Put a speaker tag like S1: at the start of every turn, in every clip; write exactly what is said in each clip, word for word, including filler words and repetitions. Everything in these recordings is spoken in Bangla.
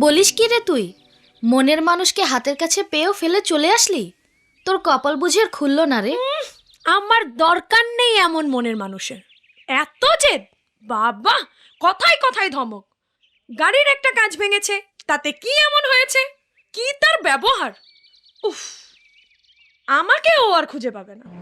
S1: বলিস কি রে তুই? মনের মানুষকে হাতের কাছে পেয়েও ফেলে চলে আসলি? তোর কপাল বুঝি আর খুললো না রে।
S2: আমার দরকার নেই এমন মনের মানুষের। এত জেদ বাবা, কথায় কথায় ধমক। গাড়ির একটা কাঁচ ভেঙেছে, তাতে কি এমন হয়েছে? কি তার ব্যবহার! উফ, আমাকে ও আর খুঁজে পাবে না।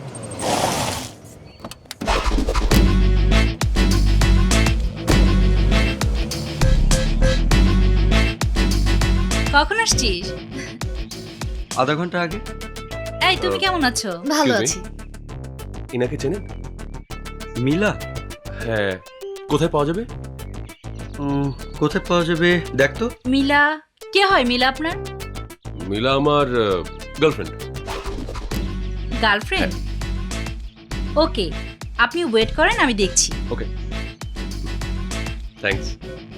S3: কখন আসছিস?
S4: আধা ঘন্টা আগে।
S3: এই তুমি কেমন আছো?
S1: ভালো
S5: Excuse me?
S1: আছি।
S5: ইনাকে চেনেন?
S4: মিলা?
S5: হ্যাঁ, কোথায় পাওয়া যাবে?
S4: উম, কোথায় পাওয়া যাবে দেখ তো।
S3: মিলা কে হয়? মিলা আপনার
S5: মিলা আমার গার্লফ্রেন্ড।
S3: গার্লফ্রেন্ড? ওকে, আপনি ওয়েট করেন, আমি দেখছি।
S5: Okay, thanks.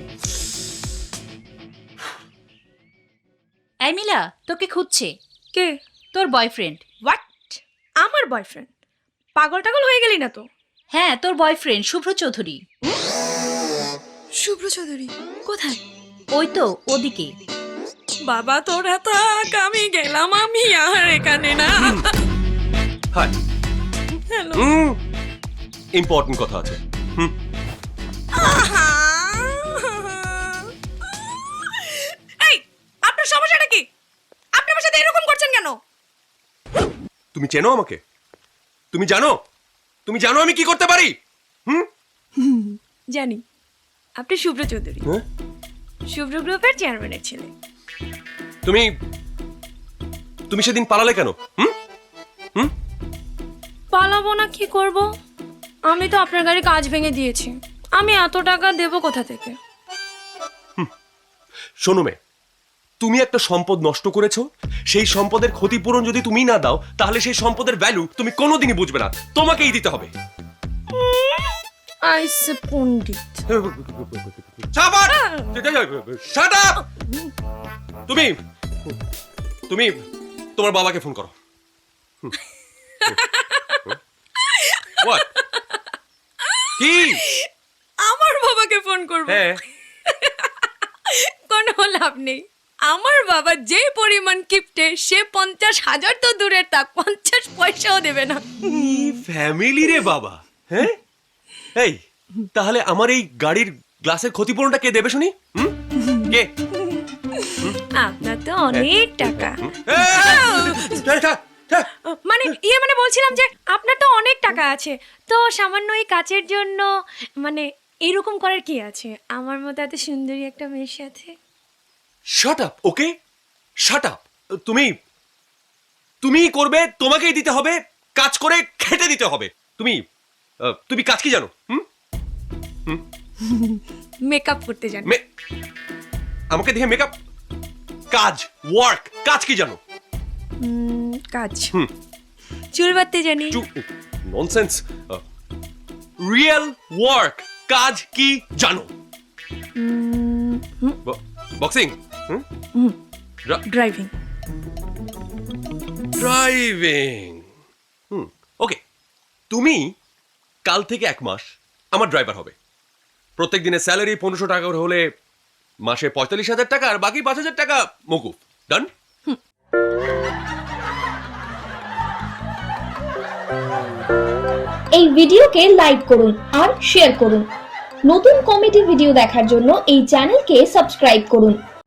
S3: এই মিলা, তোকে খুঁজছে।
S2: কে?
S3: তোর বয়ফ্রেন্ড।
S2: হোয়াট? আমার বয়ফ্রেন্ড? পাগল টাগল হয়ে গেলি না তো?
S3: হ্যাঁ, তোর বয়ফ্রেন্ড শুভ্র চৌধুরী।
S2: শুভ্র চৌধুরী কোথায়?
S3: ওই তো ওদিকে।
S2: বাবা তোরা থাক, আমি গেলাম, আমি আর এখানে না।
S5: হাই।
S2: হ্যালো।
S5: হুম, ইম্পর্টেন্ট কথা আছে। হুম,
S2: এই, আপনার সমস্যাটা কি? আপনি আমার সাথে এরকম করছেন কেন?
S5: তুমি চেনো আমাকে? তুমি জানো? তুমি জানো আমি কি করতে পারি? হুম?
S2: জানি, আপনি শুভ্র চৌধুরী,
S5: হ্যাঁ?
S2: শুভ্র গ্রুপের চেয়ারম্যানের ছেলে।
S5: তুমি তুমি সেদিন পালালে কেন? হুম? হুম?
S2: পালাবো না কি করব? আমি তো আপনার গাড়ি কাজ ভেঙে দিয়েছি। আমি এত টাকা দেব কোথা থেকে?
S5: শোনো মে, তুমি একটা সম্পদ নষ্ট করেছো, সেই সম্পদের ক্ষতিপূরণ যদি তুমি না দাও তাহলে সেই সম্পদের ভ্যালু তুমি কোনোদিনই বুঝবে না, তোমাকেই দিতে হবে।
S2: আইসে পণ্ডিত।
S5: শাবাশ! Shut up! তুমি তুমি তোমার বাবাকে ফোন করো। What? কি?
S2: আমার বাবাকে ফোন করব?
S5: হ্যাঁ,
S2: কোনো লাভ নেই। আমার বাবা যে পরিমাণ কিপটে, সে পঞ্চাশ হাজার তো দূরের থাক, পঞ্চাশ পয়সাও দেবে না।
S5: ফ্যামিলি রে বাবা। হ্যাঁ, এই তাহলে আমার এই গাড়ির গ্লাসের ক্ষতিপূরণটা কে দেবে শুনি? হুম? কে?
S2: আপনার তো অনেক টাকা।
S5: এই, থাক, থাক।
S2: মানে ইয়ে মানে বলছিলাম যে আপনার তো অনেক টাকা আছে, তো সামান্য এই কাচের জন্য মানে এরকম করার কি আছে আমার মতো এত সুন্দরী একটা মেয়ের সাথে?
S5: Shut up, okay? Shut up. তুমি তুমিই করবে, তোমাকেই দিতে হবে, কাজ করে খেটে দিতে হবে। তুমি আহ, তুমি কাজ কি জানো? হুম?
S2: মেকআপ করতে জানি।
S5: মে- আমাকে দেখে মেকআপ? কাজ, ওয়ার্ক, কাজ কি জানো?
S2: উম, কাজ
S5: হুম।
S2: চুল বাঁধতে জানি।
S5: ননসেন্স। রিয়েল ওয়ার্ক, কাজ কি জানো?
S2: Um, hmm,
S5: boxing,
S2: hmm, driving.
S5: Driving. Hmm, okay. তুমি কাল থেকে এক মাস আমার ড্রাইভার হবে। প্রত্যেক দিনের স্যালারি পনেরোশো টাকা করে হলে মাসে পঁয়তাল্লিশ হাজার টাকা, আর বাকি পাঁচ হাজার টাকা মকুফ। ডান?
S6: এই ভিডিওকে লাইক করুন আর শেয়ার করুন। নতুন কমেডি ভিডিও দেখার জন্য এই চ্যানেলকে সাবস্ক্রাইব করুন।